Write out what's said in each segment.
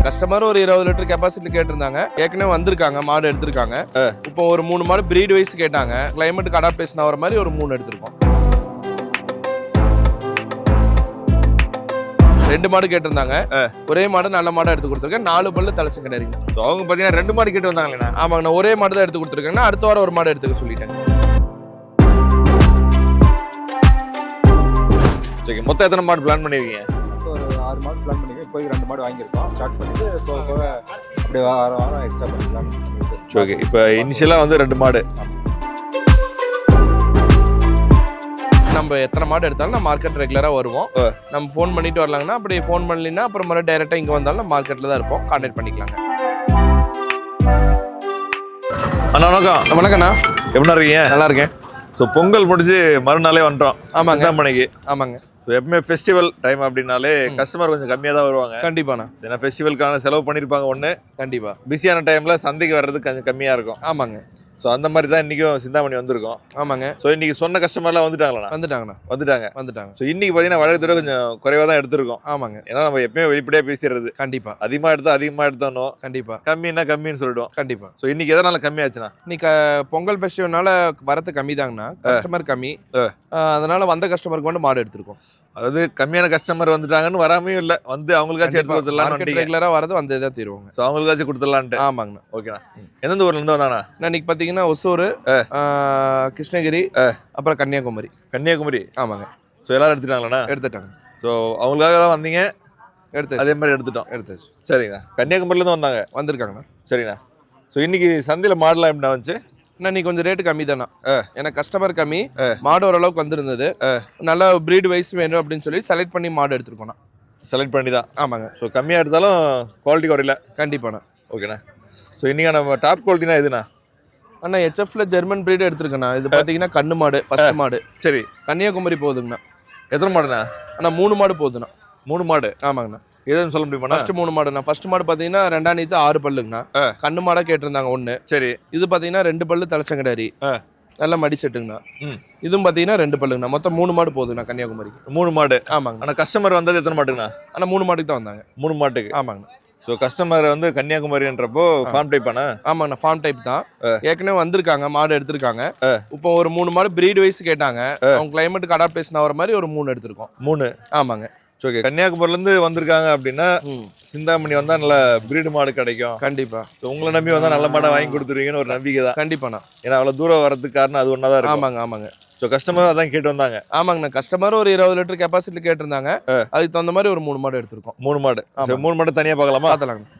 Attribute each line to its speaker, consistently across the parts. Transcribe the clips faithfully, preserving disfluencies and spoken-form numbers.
Speaker 1: Customer ஒரு இருபது litre capacity கேட்டிருந்தாங்க. ஏற்கனவே வந்திருக்காங்க, மாடு எடுத்திருக்காங்க. இப்போ ஒரு மூணு மாடு பிரீட் வைஸ் கேட்டாங்க. கிளைமேட்டுக்கு அடாப்டேஷன் ஆகிற மாதிரி ஒரு மூணு எடுத்திருக்கோம். ரெண்டு மாடு கேட்டிருந்தாங்க. ஒரே மாடு நல்ல மாடா எடுத்து கொடுத்துருக்கேன். நாலு பல்லு தலைச்சு கிடையாது.
Speaker 2: அவங்க பாத்தீங்கன்னா ரெண்டு மாடு கேட்டு வந்தாங்களே.
Speaker 1: ஆமாங்கண்ணா, ஒரே மாடு தான் எடுத்து கொடுத்துருக்கேன்னா அடுத்த வாரம் ஒரு மாடு எடுத்துக்க சொல்லிட்டேன்.
Speaker 2: சரி, மொத்தம் எத்தனை மாடு பிளான் பண்ணிருக்கீங்க?
Speaker 3: ஒரு ஆறு மாடு பிளான் பண்ணிருக்கோம். இப்போ ரெண்டு மாடு வாங்கியிருக்கோம். ஸ்டார்ட் பண்ணிட்டு இப்போ அப்படியே வாரம் வாரம் எக்ஸ்ட்ரா பண்ணிக்கலாம்.
Speaker 2: ஓகே, இப்போ இனிஷியலாக வந்து ரெண்டு மாடு.
Speaker 1: நம்ம எத்தனை மாடு எடுத்தாலும் நம்ம மார்க்கெட் ரெகுலராக வருவோம். நம்ம ஃபோன் பண்ணிட்டு வரலாங்கன்னா, அப்படி ஃபோன் பண்ணலின்னா அப்புறம் மாதிரி டைரெக்டாக இங்கே வந்தாலும் நம்ம மார்க்கெட்டில் தான் இருப்போம். கான்டாக்ட் பண்ணிக்கலாங்க.
Speaker 2: அண்ணா வணக்கம்.
Speaker 1: வணக்கண்ணா,
Speaker 2: எப்படின்னா இருக்கீங்க?
Speaker 1: நல்லா இருக்கேன்.
Speaker 2: ஸோ பொங்கல் முடிஞ்சு மறுநாளே வந்துட்டோம்.
Speaker 1: ஆமாங்க
Speaker 2: மணிக்கு.
Speaker 1: ஆமாங்க.
Speaker 2: எப்பவுமே ஃபெஸ்டிவல் டைம் அப்படின்னாலே கஸ்டமர் கொஞ்சம் கம்மியாக தான் வருவாங்க.
Speaker 1: கண்டிப்பாண்ணா.
Speaker 2: ஏன்னா ஃபெஸ்டிவலுக்கான செலவு பண்ணியிருப்பாங்க. ஒன்று
Speaker 1: கண்டிப்பா
Speaker 2: பிஸியான டைமில் சந்தைக்கு வர்றதுக்கு கொஞ்சம் கம்மியாக இருக்கும்.
Speaker 1: ஆமாங்க.
Speaker 2: ஸோ அந்த மாதிரி தான் இன்றைக்கும் சிந்தாமணி வந்திருக்கோம்.
Speaker 1: ஆமாங்க.
Speaker 2: ஸோ இன்னைக்கு சொன்ன கஸ்டமர்லாம் வந்துட்டாங்களா?
Speaker 1: வந்துட்டாங்கண்ணா.
Speaker 2: வந்துட்டாங்க
Speaker 1: வந்துட்டாங்க.
Speaker 2: ஸோ இன்னைக்கு பார்த்தீங்கன்னா வழக்கத்தோட கொஞ்சம் குறைவாக தான் எடுத்திருக்கோம்.
Speaker 1: ஆமாங்க.
Speaker 2: ஏன்னா நம்ம எப்பயுமே வெளிப்படையாக பேசிடுறது.
Speaker 1: கண்டிப்பா.
Speaker 2: அதிகமாக எடுத்தா அதிகமாக எடுத்தானோ,
Speaker 1: கண்டிப்பா
Speaker 2: கம்மின்னா கம்மின்னு சொல்லிடுவோம்.
Speaker 1: கண்டிப்பா.
Speaker 2: ஸோ இன்னைக்கு எதனால கம்மியாச்சுன்னா,
Speaker 1: இன்னைக்கு பொங்கல் ஃபெஸ்டிவல்னால வரத்து கம்மி தாங்கண்ணா. கஸ்டமர் கம்மி. அதனால வந்த கஸ்டமருக்கு வந்து மாடு எடுத்திருக்கோம்.
Speaker 2: அதாவது கம்மியான கஸ்டமர் வந்துட்டாங்கன்னு வராமையும் இல்லை, வந்து அவங்களுக்காச்சும் எடுத்து கொடுத்துடலாம்.
Speaker 1: ரெகுலரா வரது வந்து தான் தருவாங்க.
Speaker 2: ஸோ அவங்களுக்காச்சும் கொடுத்துடலான்ட்டு.
Speaker 1: ஆமாங்கண்ணா.
Speaker 2: ஓகேண்ணா. எந்தெந்த ஊர்ல இருந்து வந்தாண்ணா?
Speaker 1: இன்னைக்கு பார்த்தீங்கன்னா ஒசூர், கிருஷ்ணகிரி, அப்புறம் கன்னியாகுமரி.
Speaker 2: கன்னியாகுமரி.
Speaker 1: ஆமாங்க.
Speaker 2: ஸோ எல்லாரும் எடுத்துட்டாங்களாண்ணா?
Speaker 1: எடுத்துட்டாங்க.
Speaker 2: ஸோ அவங்களுக்காக தான் வந்தீங்க?
Speaker 1: எடுத்து
Speaker 2: அதே மாதிரி எடுத்துட்டோம்.
Speaker 1: எடுத்தாச்சு.
Speaker 2: சரிங்கண்ணா. கன்னியாகுமரியிலேருந்து வந்தாங்க?
Speaker 1: வந்திருக்காங்கண்ணா.
Speaker 2: சரிண்ணா. ஸோ இன்னைக்கு சந்தையில் மாடலாம் எப்படின்னா வந்துச்சு?
Speaker 1: இன்னைக்கு கொஞ்சம் ரேட்டு கம்மி தானே. ஏன்னா கஸ்டமர் கம்மி, மாடு ஓரளவுக்கு வந்திருந்தது. நல்லா பிரீட் வைஸ் வேணும் அப்படின்னு சொல்லி செலக்ட் பண்ணி மாடு எடுத்துருக்கோண்ணா.
Speaker 2: செலக்ட் பண்ணி தான்.
Speaker 1: ஆமாங்க.
Speaker 2: ஸோ கம்மியாக எடுத்தாலும் குவாலிட்டி குறையில.
Speaker 1: கண்டிப்பாண்ணா.
Speaker 2: ஓகேண்ணா. ஸோ இன்றைக்கி நம்ம டாப் குவாலிட்டினா எதுண்ணா?
Speaker 1: அண்ணா ஹெச்எஃப்ல ஜெர்மன் பிரீடு எடுத்துருக்கேண்ணா. இது பார்த்தீங்கன்னா கண்ணு மாடு, ஃபர்ஸ்ட் மாடு.
Speaker 2: சரி.
Speaker 1: கன்னியாகுமரி போகுதுங்கண்ணா.
Speaker 2: எத்தனை மாடுண்ணா? அண்ணா
Speaker 1: மூணு மாடு போகுதுண்ணா.
Speaker 2: மூணு மாடு?
Speaker 1: ஆமாங்கண்ணா.
Speaker 2: எதுன்னு சொல்ல முடியுமா?
Speaker 1: ஃபர்ஸ்ட் மூணு மாடுண்ணா. ஃபர்ஸ்ட் மாடு பார்த்தீங்கன்னா ரெண்டாம் நீத்து ஆறு பல்லுங்கண்ணா. கண்ணு மாடா கேட்டிருந்தாங்க ஒன்று.
Speaker 2: சரி.
Speaker 1: இது பார்த்தீங்கன்னா ரெண்டு பல்லு தலைச்சங்கடாரி, நல்லா மடி செட்டுங்கண்ணா. இதுவும் பார்த்தீங்கன்னா ரெண்டு பல்லுங்கண்ணா. மொத்தம் மூணு மாடு போகுதுண்ணா கன்னியாகுமரிக்கு.
Speaker 2: மூணு மாடு?
Speaker 1: ஆமாங்க.
Speaker 2: ஆனால் கஸ்டமர் வந்தது எத்தனை மாட்டுங்கண்ணா?
Speaker 1: ஆனால் மூணு மாட்டுக்கு தான் வந்தாங்க.
Speaker 2: மூணு மாட்டுக்கு?
Speaker 1: ஆமாங்கண்ணா.
Speaker 2: ஸோ கஸ்டமர் வந்து கன்னியாகுமரின்றப்போ ஃபார்ம் டைப் ஆனா?
Speaker 1: ஆமாங்கண்ணா, ஃபார்ம் டைப் தான். ஏற்கனவே வந்திருக்காங்க, மாடு எடுத்திருக்காங்க. இப்போ ஒரு மூணு மாடு பிரீட் வைஸ் கேட்டாங்க. அவங்க கிளைமேட்டுக்கு அடாப்டேஷன் ஆகிற மாதிரி ஒரு மூணு எடுத்திருக்கோம். மூணு? ஆமாங்க.
Speaker 2: ஓகே. கன்னியாகுமரியிலேருந்து வந்திருக்காங்க அப்படின்னா சிந்தாமணி வந்தால் நல்ல பிரீடு மாடு கிடைக்கும்.
Speaker 1: கண்டிப்பா.
Speaker 2: ஸோ உங்களை நம்பி வந்தால் நல்ல மாடை வாங்கி கொடுத்துருவீங்கன்னு ஒரு நம்பிக்கை தான்.
Speaker 1: கண்டிப்பாண்ணா.
Speaker 2: ஏன்னா அவ்வளோ தூரம் வரதுக்கு காரணம் அது ஒன்றா தான் இருக்கும்.
Speaker 1: ஆமாங்க. ஆமாங்க.
Speaker 2: ஸோ கஸ்டமர் அதான் கேட்டு வந்தாங்க.
Speaker 1: ஆமாங்கண்ணா, கஸ்டமர் ஒரு இருபது லிட்டர் கெப்பாசிட்டி கேட்டிருந்தாங்க. அதுக்கு தகுந்த மாதிரி ஒரு மூணு மாடு எடுத்திருக்கோம்.
Speaker 2: மூணு மாடு? சரி, மூணு மாடு தனியாக பார்க்கலாமா?
Speaker 1: பார்த்துலாங்க.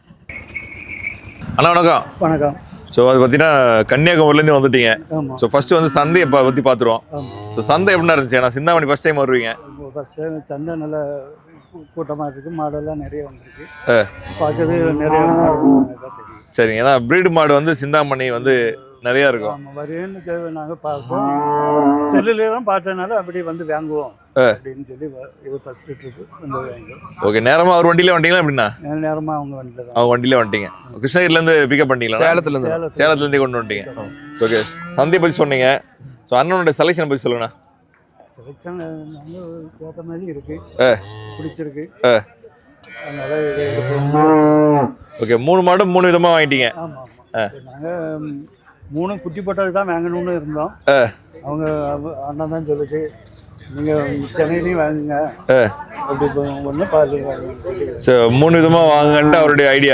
Speaker 2: அண்ணா வணக்கம்.
Speaker 4: வணக்கம்.
Speaker 2: ஸோ அது பார்த்தீங்கன்னா கன்னியாகுமரிலேருந்து வந்துட்டீங்க. ஸோ ஃபர்ஸ்ட் வந்து சந்தையை இப்போ பற்றி பார்த்துருவோம். ஸோ சந்தை எப்படின்னா இருந்துச்சு? ஏன்னா சிந்தாமணி ஃபர்ஸ்ட் டைம் வருவீங்க.
Speaker 4: ஃபர்ஸ்ட் டைம் சந்தை நல்ல கூட்டமாக இருக்குது. மாடெல்லாம் நிறைய வந்துருக்கு. பார்க்கறது நிறைய மாடு.
Speaker 2: சரிங்க. ஏன்னா பிரீடு மாடு வந்து சிந்தாமணி வந்து நிறையா இருக்கும்.
Speaker 4: ஆமாம், வருவேன்னு தேவை. நாங்கள் பார்த்தோம், செல்லுலேயே தான் பார்த்ததுனால அப்படி வந்து வாங்குவோம் அப்படின்னு சொல்லி இது ஃபர்ஸ்ட் ட்ரிப்பு வந்து வாங்குவோம்.
Speaker 2: ஓகே. நேரமாக அவர் வண்டியிலே வந்துட்டீங்களா எப்படின்னா?
Speaker 4: நேரமாக அவங்க வண்டியில் தான்.
Speaker 2: அவங்க வண்டியிலே வந்துட்டீங்க. கிருஷ்ணகிரிலேருந்து பிக்கப் பண்ணிட்டீங்களா?
Speaker 1: சேலத்துலேருந்து.
Speaker 2: சேலத்துலேருந்தே கொண்டு வந்துட்டீங்க. ஓகே. சந்தையை பற்றி சொன்னீங்க. ஸோ அண்ணனோட செலெக்ஷனை பற்றி சொல்லுங்கண்ணா.
Speaker 4: செலெக்ஷன் வந்து கேட்ட மாதிரி இருக்கு, பிடிச்சிருக்கு. அதனால இதை எடுப்போம்.
Speaker 2: ஓகே. மூணு மாடு மூணு விதமாக வாங்கிட்டீங்க.
Speaker 4: ஆமாம் ஆமாம். நாங்கள் மூணு குட்டி போட்டது தான் வாங்கணும்னு இருந்தோம். அவங்க அண்ணன் தான் சொல்லிச்சு, நீங்கள் சென்னையிலையும் வாங்குங்க அப்படி ஒன்று பால் வாங்க.
Speaker 2: ஸோ மூணு விதமாக வாங்கன்ட்டு அவருடைய ஐடியா.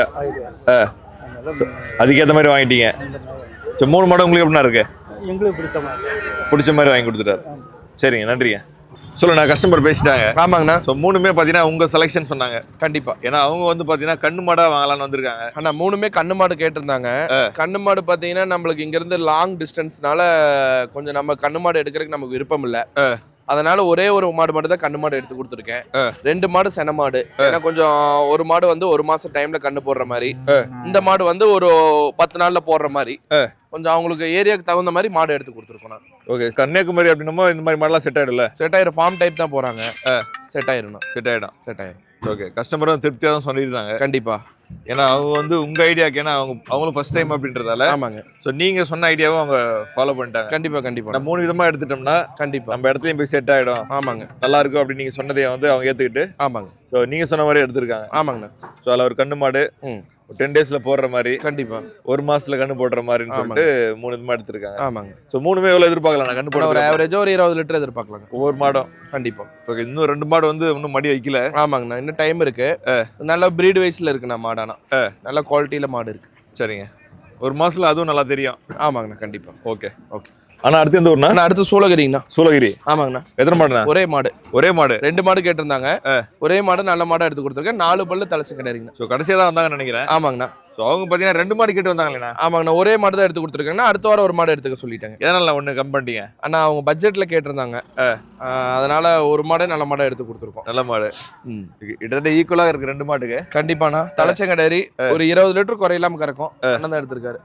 Speaker 2: அதுக்கேற்ற மாதிரி வாங்கிட்டீங்க. ஸோ மூணு மாடு உங்களுக்கு எப்படின்னா இருக்கு?
Speaker 4: எங்களுக்கு பிடிச்ச மாதிரி
Speaker 2: பிடிச்ச மாதிரி வாங்கி கொடுத்துட்டாரு. சரிங்க, நன்றிங்க. சொல்லுண்ணா. கஸ்டமர் பேசிட்டாங்க.
Speaker 1: ஆமாங்கண்ணா.
Speaker 2: ஸோ மூணுமே பார்த்தீங்கன்னா உங்கள் செலெக்ஷன் சொன்னாங்க.
Speaker 1: கண்டிப்பா.
Speaker 2: ஏன்னா அவங்க வந்து பார்த்தீங்கன்னா கண்ணு மாடாக வாங்கலான்னு வந்திருக்காங்க.
Speaker 1: ஆனா மூணுமே கண்ணு மாடு கேட்டிருந்தாங்க. கண்ணு மாடு பார்த்தீங்கன்னா நம்மளுக்கு இங்கேருந்து லாங் டிஸ்டன்ஸ்னால கொஞ்சம் நம்ம கண்ணு மாடு எடுக்கிறதுக்கு நமக்கு விருப்பம் இல்லை. அதனால ஒரே ஒரு மாடு மட்டும் தான் கண்ணு மாடு எடுத்து கொடுத்துருக்கேன். ரெண்டு மாடு சென மாடு. ஏன்னா கொஞ்சம் ஒரு மாடு வந்து ஒரு மாசம் டைம்ல கண்ணு போடுற மாதிரி, இந்த மாடு வந்து ஒரு பத்து நாள்ல போடுற மாதிரி, கொஞ்சம் அவங்களுக்கு ஏரியாவுக்கு தகுந்த மாதிரி மாடு எடுத்து கொடுத்துருக்கோம்.
Speaker 2: ஓகே. கன்னியாகுமரி அப்படின்னமோ இந்த மாதிரி மாடெல்லாம் செட் ஆயிடும்ல?
Speaker 1: செட் ஆயிரும். ஃபார்ம் டைப் தான் போறாங்க. செட் ஆயிரும்.
Speaker 2: செட் ஆயிடும்.
Speaker 1: செட் ஆயிரும்.
Speaker 2: ஓகே, கஸ்டமரும் திருப்தியாக தான் சொல்லியிருந்தாங்க.
Speaker 1: கண்டிப்பா.
Speaker 2: ஏன்னா அவங்க வந்து உங்க ஐடியாக்கு, ஏன்னா அவங்க அவங்களும் ஃபர்ஸ்ட் டைம் அப்படின்றதால.
Speaker 1: ஆமாங்க.
Speaker 2: ஸோ நீங்க சொன்ன ஐடியாவும் அவங்க ஃபாலோ பண்ணிட்டாங்க.
Speaker 1: கண்டிப்பா கண்டிப்பா.
Speaker 2: நம்ம மூணு விதமா எடுத்துட்டோம்னா
Speaker 1: கண்டிப்பா
Speaker 2: நம்ம இடத்துலயும் போய் செட் ஆயிடும்.
Speaker 1: ஆமாங்க.
Speaker 2: நல்லா இருக்கும் அப்படின்னு நீங்க சொன்னதை வந்து அவங்க ஏத்துக்கிட்டு.
Speaker 1: ஆமாங்க.
Speaker 2: ஸோ நீங்க சொன்ன மாதிரி எடுத்திருக்காங்க.
Speaker 1: ஆமாங்கண்ணா. ஸோ
Speaker 2: அதில் ஒரு கண்ணு மாடு
Speaker 1: ம்
Speaker 2: டென் டேஸ்ல போடுற மாதிரி,
Speaker 1: கண்டிப்பா
Speaker 2: ஒரு மாசத்துல கண்ணு போடுற மாதிரின்னு சொல்லிட்டு மூணு விதமா எடுத்திருக்காங்க.
Speaker 1: ஆமாங்க.
Speaker 2: ஸோ மூணுமே எவ்வளவு எதிர்பார்க்கலாம் கண்ணு போட?
Speaker 1: ஒரு ஆவரேஜா ஒரு இருபது லிட்டர் எதிர்பார்க்கலாங்க
Speaker 2: ஒவ்வொரு மாடும்.
Speaker 1: கண்டிப்பா.
Speaker 2: ஓகே, இன்னும் ரெண்டு மாடு வந்து இன்னும் மடி வைக்கல.
Speaker 1: ஆமாங்கண்ணா, இன்னும் டைம் இருக்கு. நல்ல பிரீட் வைஸ்ல இருக்குண்ணா மாடானா. நல்ல குவாலிட்டியில மாடு இருக்கு.
Speaker 2: சரிங்க, ஒரு மாசத்துல அதுவும் நல்லா தெரியும்.
Speaker 1: ஆமாங்கண்ணா கண்டிப்பா.
Speaker 2: Okay
Speaker 1: okay.
Speaker 2: ஆனா அடுத்து எந்த ஊர்னா?
Speaker 1: அடுத்து சூளகிரிங்கண்ணா.
Speaker 2: சூளகிரி.
Speaker 1: ஆமாங்கண்ணா.
Speaker 2: எத்தனை மாடுண்ணா?
Speaker 1: ஒரே மாடு.
Speaker 2: ஒரே மாடு.
Speaker 1: ரெண்டு மாடு கேட்டிருந்தாங்க. ஒரே மாடு நல்ல மாடா எடுத்து கொடுத்துருக்கேன். நாலு பல்லு தலைச்சு கிடையாதுங்க.
Speaker 2: ஸோ கடைசியாக தான் வந்தாங்கன்னு நினைக்கிறேன்.
Speaker 1: ஆமாங்கண்ணா.
Speaker 2: ஸோ அவங்க பார்த்தீங்கன்னா ரெண்டு மாடு கேட்டு வந்தாங்களேண்ணா.
Speaker 1: ஆமாங்கண்ணா, ஒரே மாடு தான் எடுத்து கொடுத்துருக்காங்கண்ணா. அடுத்த வாரம் ஒரு மாடு எடுத்துக்க சொல்லிட்டாங்க.
Speaker 2: எதனால ஒன்று கம் பண்ணிட்டீங்க?
Speaker 1: அண்ணா அவங்க பட்ஜெட்ல கேட்டிருந்தாங்க, அதனால ஒரு மாடே நல்ல மாடா எடுத்து கொடுத்துருக்கோம்.
Speaker 2: நல்ல மாடு. கிட்டத்தட்ட ஈக்குவலாக இருக்கு ரெண்டு மாட்டுக்கு.
Speaker 1: கண்டிப்பாண்ணா. தலைச்சங்கடேரி ஒரு இருபது லிட்டர் குறையில்லாம கறக்கும். அண்ணன் தான் எடுத்திருக்காரு.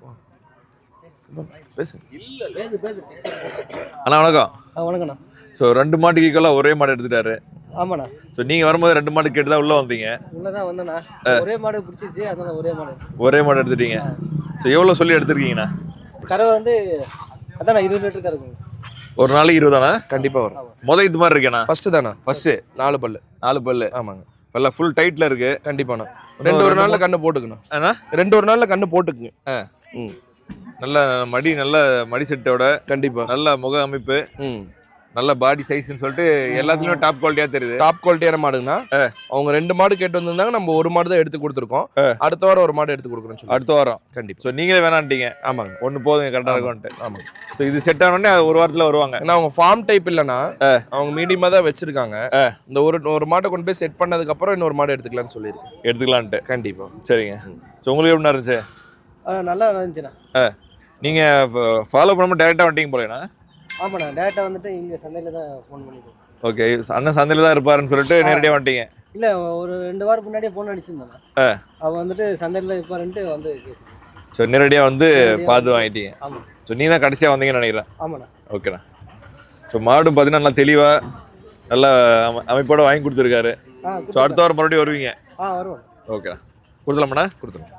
Speaker 2: அண்ணா வணக்கம்.
Speaker 5: வணக்கண்ணா.
Speaker 2: ஸோ ரெண்டு மாட்டுக்கு ஈக்குவலாக ஒரே மாடு எடுத்துட்டாரு.
Speaker 5: ஆமாண்ணா.
Speaker 2: ஸோ நீங்கள் வரும்போது ரெண்டு மாடு கேட்டு தான் உள்ளே வந்தீங்க.
Speaker 5: உள்ளே தான் வந்தேண்ணா. ஒரே மாடு பிடிச்சிச்சு, அதனால ஒரே மாடு.
Speaker 2: ஒரே மாடு எடுத்துட்டீங்க. ஸோ எவ்வளோ சொல்லி எடுத்துருக்கீங்கண்ணா?
Speaker 5: கறவை வந்து அதாண்ணா இருபது லிட்டர் கறக்குங்க.
Speaker 2: ஒரு நாளைக்கு இருபதாண்ணா?
Speaker 1: கண்டிப்பாக வரும்.
Speaker 2: மொதல் இது மாதிரி இருக்கேண்ணா?
Speaker 1: ஃபர்ஸ்ட் தானே?
Speaker 2: ஃபர்ஸ்ட் நாலு பல்லு. நாலு பல்லு.
Speaker 1: ஆமாங்க.
Speaker 2: நல்லா ஃபுல் டைட்டில் இருக்கு.
Speaker 1: கண்டிப்பாண்ணா. ரெண்டு ஒரு நாளில் கண்ணு போட்டுக்கணும். அண்ணா ரெண்டு ஒரு நாளில் கண்ணு போட்டுக்குங்க. ஆ ம்
Speaker 2: நல்ல மடி, நல்ல மடி செட்டோட.
Speaker 1: கண்டிப்பா.
Speaker 2: நல்ல முக அமைப்பு,
Speaker 1: ம்
Speaker 2: நல்ல பாடி சைஸ்ன்னு சொல்லிட்டு எல்லாத்துலயுமே டாப் குவாலிட்டியா தெரியுது.
Speaker 1: டாப் குவாலிட்டியான மாடுங்கண்ணா. அவங்க ரெண்டு மாடு கேட்டு வந்திருந்தாங்க, நம்ம ஒரு மாடு தான் எடுத்து கொடுத்துருக்கோம். அடுத்த வாரம் ஒரு மாடு எடுத்து கொடுக்குறோம் சொல்லி.
Speaker 2: அடுத்த வாரம் கண்டிப்பா. ஸோ நீங்களே வேணான்ட்டீங்க.
Speaker 1: ஆமாங்க.
Speaker 2: ஒன்று போதுங்க, கரெக்டாக இருக்கும்ட்டு. ஆமாங்க. ஸோ இது செட் ஆனோடனே ஒரு வாரத்தில் வருவாங்க.
Speaker 1: ஏன்னா அவங்க ஃபார்ம் டைப் இல்லைன்னா அவங்க மீடியமாக தான் வச்சிருக்காங்க. இந்த ஒரு ஒரு மாட்டை கொண்டு போய் செட் பண்ணதுக்கு அப்புறம் இன்னொரு மாடு எடுத்துக்கலாம்னு சொல்லியிருக்கேன்.
Speaker 2: எடுத்துக்கலான்ட்டு.
Speaker 1: கண்டிப்பா.
Speaker 2: சரிங்க. ஸோ உங்களுக்கு எப்படி இருந்துச்சு?
Speaker 5: நல்லா இருந்துச்சுண்ணா.
Speaker 2: நீங்கள் ஃபாலோ பண்ணாமல் டேரெக்டாக வந்துட்டீங்க போலேண்ணா?
Speaker 5: ஆமாண்ணா, டேரெக்டாக வந்துட்டு இங்கே சந்தையில் தான் ஃபோன் பண்ணிட்டோம்.
Speaker 2: ஓகே, அண்ணன் சந்தையில் தான் இருப்பாருன்னு சொல்லிட்டு நேரடியாக வந்துட்டீங்க?
Speaker 5: இல்லை, ஒரு ரெண்டு வாரம் முன்னாடியே ஃபோன் அடிச்சிருந்தாங்க. அவள் வந்துட்டு சந்தையில் இருப்பாருன்ட்டு வந்து.
Speaker 2: ஸோ நேரடியாக வந்து பார்த்து வாங்கிட்டீங்க.
Speaker 5: ஆமாம்.
Speaker 2: ஸோ நீ தான் கடைசியாக வந்தீங்கன்னு நினைக்கிறேன்.
Speaker 5: ஆமாண்ணா.
Speaker 2: ஓகேண்ணா. ஸோ மாடும் பார்த்தீங்கன்னா நல்லா தெளிவாக நல்ல அமை அமைப்போடு வாங்கி கொடுத்துருக்காரு. ஸோ அடுத்த வாரம் மறுபடியும் வருவீங்க?
Speaker 5: ஆ வருவோம்.
Speaker 2: ஓகேண்ணா. கொடுத்துலாமாண்ணா? கொடுத்துருவோம்.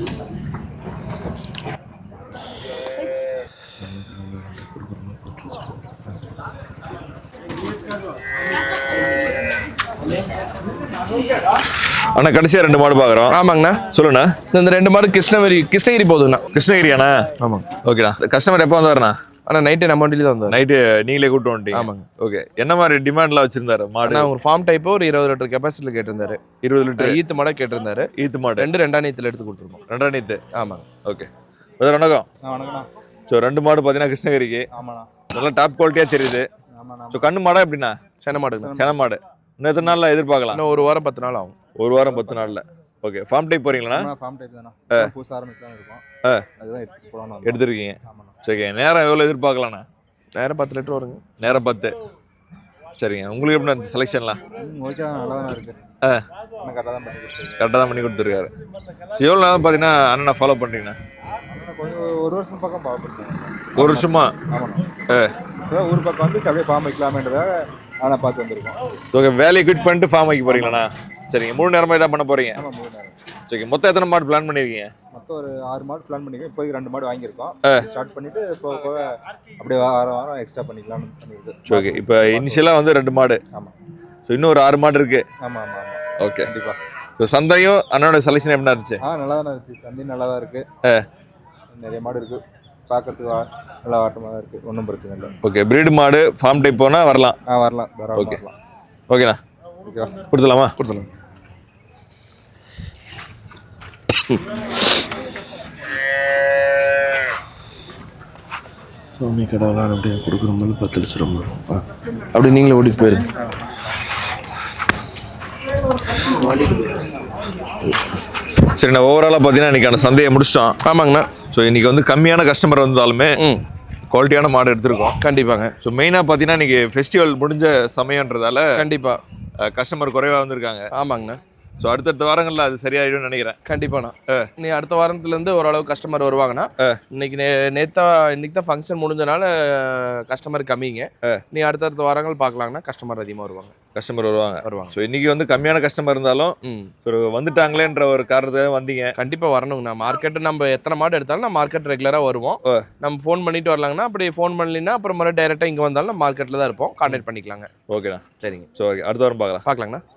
Speaker 2: அண்ணா கடைசியாக ரெண்டு மாடு பார்க்குறோம்.
Speaker 1: ஆமாங்கண்ணா.
Speaker 2: சொல்லுண்ணா.
Speaker 1: இந்த ரெண்டு மாடு கிருஷ்ணகிரி கிருஷ்ணகிரி போகுதுண்ணா.
Speaker 2: கிருஷ்ணகிரியாண்ணா? ஆமாம். ஓகேண்ணா. கஸ்டமர் எப்போ வந்தாருண்ணா?
Speaker 1: ஆனால் நைட்டு நம்ம வண்டியில் தான் வந்தார்.
Speaker 2: நைட்டு நீங்களே கூப்பிட்டு வந்துட்டீங்க? ஆமாங்க. ஓகே, என்ன மாதிரி டிமாண்ட்லாம் வச்சிருந்தாரு மாடு?
Speaker 1: நான் ஒரு ஃபார்ம் டைப்போ ஒரு இருபது லிட்டர் கெப்பாசிட்டியில் கேட்டிருந்தாரு.
Speaker 2: இருபது லிட்டர் ஈத்து
Speaker 1: மாடை கேட்டிருந்தாரு.
Speaker 2: ஈத்து மாடு
Speaker 1: ரெண்டு ரெண்டாம் நீத்தில் எடுத்து கொடுத்துருக்கோம்.
Speaker 2: ரெண்டாம் நீத்து.
Speaker 1: ஆமாங்க.
Speaker 2: ஓகே பிரதர் வணக்கம்.
Speaker 3: வணக்கண்ணா.
Speaker 2: ஸோ ரெண்டு மாடு பார்த்தீங்கன்னா கிருஷ்ணகிரிக்கு.
Speaker 3: ஆமாண்ணா.
Speaker 2: நல்லா டாப் குவாலிட்டியாக தெரியுது.
Speaker 3: ஆமாண்ணா.
Speaker 2: ஸோ கண்ணு மாடா எப்படிண்ணா?
Speaker 1: சென மாடு.
Speaker 2: சென மாடு. இன்னும் எத்தனை நாளில் எதிர்பார்க்கலாம்?
Speaker 1: இன்னும் ஒரு வாரம் பத்து நாள் ஆகும்.
Speaker 2: ஒரு வாரம் பத்து நாளில். ஓகே, ஃபார்ம் டைப் போறீங்களா?
Speaker 3: ஃபார்ம் டைப் தானா? புதுசா ஆரம்பிக்கலாம் இருக்கோம். அதுதான் எடுத்து போறோம்.
Speaker 2: எடுத்துருக்கீங்க. சரி, நேரம் எவ்வளோ எதிர்பார்க்கலாண்ணா?
Speaker 1: நேரம் பத்து லிட்டர் வருங்க.
Speaker 2: நேரம் பத்து. சரிங்க. உங்களுக்கு எப்படி இருந்துச்சு செலெக்ஷன்லாம்?
Speaker 3: ஓகே, நல்லா தான் இருக்கு.
Speaker 2: ஆ
Speaker 3: கரெக்டாக தான் பண்ணி கொடுத்துருக்காரு.
Speaker 2: கரெக்டாக தான் பண்ணி கொடுத்துருக்காரு. ஸோ எவ்வளோ நேரம் பார்த்தீங்கன்னா அண்ணனை ஃபாலோ பண்ணுறீங்கண்ணா?
Speaker 3: கொஞ்சம் ஒரு வருஷம் பக்கம் ஃபாலோ பண்ணுறேன்.
Speaker 2: ஒரு வருஷமா?
Speaker 3: ஆமாண்ணா. ஆ ஊர் பக்கம் வந்து அப்படியே ஃபார்ம் வைக்கலாமேன்றதாக ஆனால் பார்த்து வந்திருக்கோம்.
Speaker 2: ஓகே, வேலையை குவிட் பண்ணிட்டு ஃபார்ம் வைக்க போறீங்களாண்ணா? சரிங்க. மூணு நேரமாக இதான் பண்ண போறீங்க?
Speaker 3: ஆமாம், மூணு நேரம்.
Speaker 2: சரி, மொத்தம் எத்தனை மாடு பிளான் பண்ணியிருக்கீங்க?
Speaker 3: மொத்தம் ஒரு ஆறு மாடு பிளான் பண்ணியிருக்கோம். இப்போதைக்கு ரெண்டு மாடு வாங்கியிருக்கோம். ஸ்டார்ட் பண்ணிட்டு போக போக அப்படியே வாரம் வாரம் எக்ஸ்ட்ரா பண்ணிக்கலாம்னு பண்ணியிருக்கு.
Speaker 2: ஓகே, இப்போ இனிஷியலாக வந்து ரெண்டு மாடு.
Speaker 3: ஆமாம்.
Speaker 2: ஸோ இன்னும் ஒரு ஆறு மாடு இருக்கு.
Speaker 3: ஆமாம் ஆமாம் ஆமாம்.
Speaker 2: ஓகே,
Speaker 3: கண்டிப்பாக.
Speaker 2: ஸோ சந்தையும் அண்ணனோட செலெக்ஷன் எப்படி இருந்துச்சு?
Speaker 3: ஆ நல்லா தான் இருந்துச்சு. சந்தையும் நல்லா தான் இருக்கு. நிறைய மாடு இருக்கு. பார்க்கறதுக்கு நல்லா வாட்டமாக தான் இருக்கு. ஒன்றும் பிரச்சனை இல்லை.
Speaker 2: ஓகே, பிரீடு மாடு ஃபார்ம் டைப் போனால் வரலாம்.
Speaker 3: ஆ வரலாம்.
Speaker 2: ஓகே ஓகேண்ணா.
Speaker 3: ஓகேவா?
Speaker 2: கொடுத்துலாமா?
Speaker 1: கொடுத்துலாம். சாமி கடவுளால் அப்படியே கொடுக்குற போது பத்து லட்சம் ரூபா அப்படி நீங்களே ஓடிட்டு போயிருங்க.
Speaker 2: சரிண்ணா, ஓவராலாக பார்த்தீங்கன்னா இன்றைக்கி அந்த சந்தையை முடிச்சிட்டோம்.
Speaker 1: ஆமாங்கண்ணா.
Speaker 2: ஸோ இன்றைக்கி வந்து கம்மியான கஸ்டமர் வந்தாலுமே குவாலிட்டியான மாடு எடுத்திருக்கோம்.
Speaker 1: கண்டிப்பாங்க.
Speaker 2: ஸோ மெயினாக பார்த்தீங்கன்னா இன்றைக்கி ஃபெஸ்டிவல் முடிஞ்ச சமயன்றதால
Speaker 1: கண்டிப்பாக
Speaker 2: கஸ்டமர் குறைவாக வந்திருக்காங்க.
Speaker 1: ஆமாங்கண்ணா.
Speaker 2: ஸோ அடுத்தடுத்த வாரங்களில் அது சரியாயிடும்னு நினைக்கிறேன்.
Speaker 1: கண்டிப்பாண்ணா. நீ அடுத்த வாரத்துல இருந்து ஓரளவு கஸ்டமர் வருவாங்கண்ணா. இன்னைக்கு நே நேத்தா இன்னைக்கு தான் ஃபங்க்ஷன் முடிஞ்சனால கஸ்டமர் கம்மிங்க. நீ அடுத்தடுத்த வாரங்கள் பார்க்கலாங்கன்னா கஸ்டமர் அதிகமாக வருவாங்க.
Speaker 2: கஸ்டமர் வருவாங்க
Speaker 1: வருவாங்க
Speaker 2: ஸோ இன்னைக்கு வந்து கம்மியான கஸ்டமர் இருந்தாலும்
Speaker 1: ம்
Speaker 2: ஸோ வந்துட்டாங்களேன்ற ஒரு காரணத்தை வந்தீங்க.
Speaker 1: கண்டிப்பாக வரணுங்கண்ணா. மார்க்கெட்டு நம்ம எத்தனை மாடு எடுத்தாலும் நம்ம மார்க்கெட் ரெகுலராக வருவோம். நம்ம ஃபோன் பண்ணிட்டு வரலாங்கண்ணா. அப்படி ஃபோன் பண்ணலின்னா அப்புறம் மறுபடியும் டைரெக்டாக இங்கே வந்தாலும் நம்ம மார்க்கெட்டில் தான் இருப்போம். கான்டாக்ட் பண்ணிக்கலாங்க.
Speaker 2: ஓகேண்ணா.
Speaker 1: சரிங்க.
Speaker 2: ஸோ ஓகே அடுத்த வாரம் பார்க்கலாம்
Speaker 1: பார்க்கலாங்கண்ணா.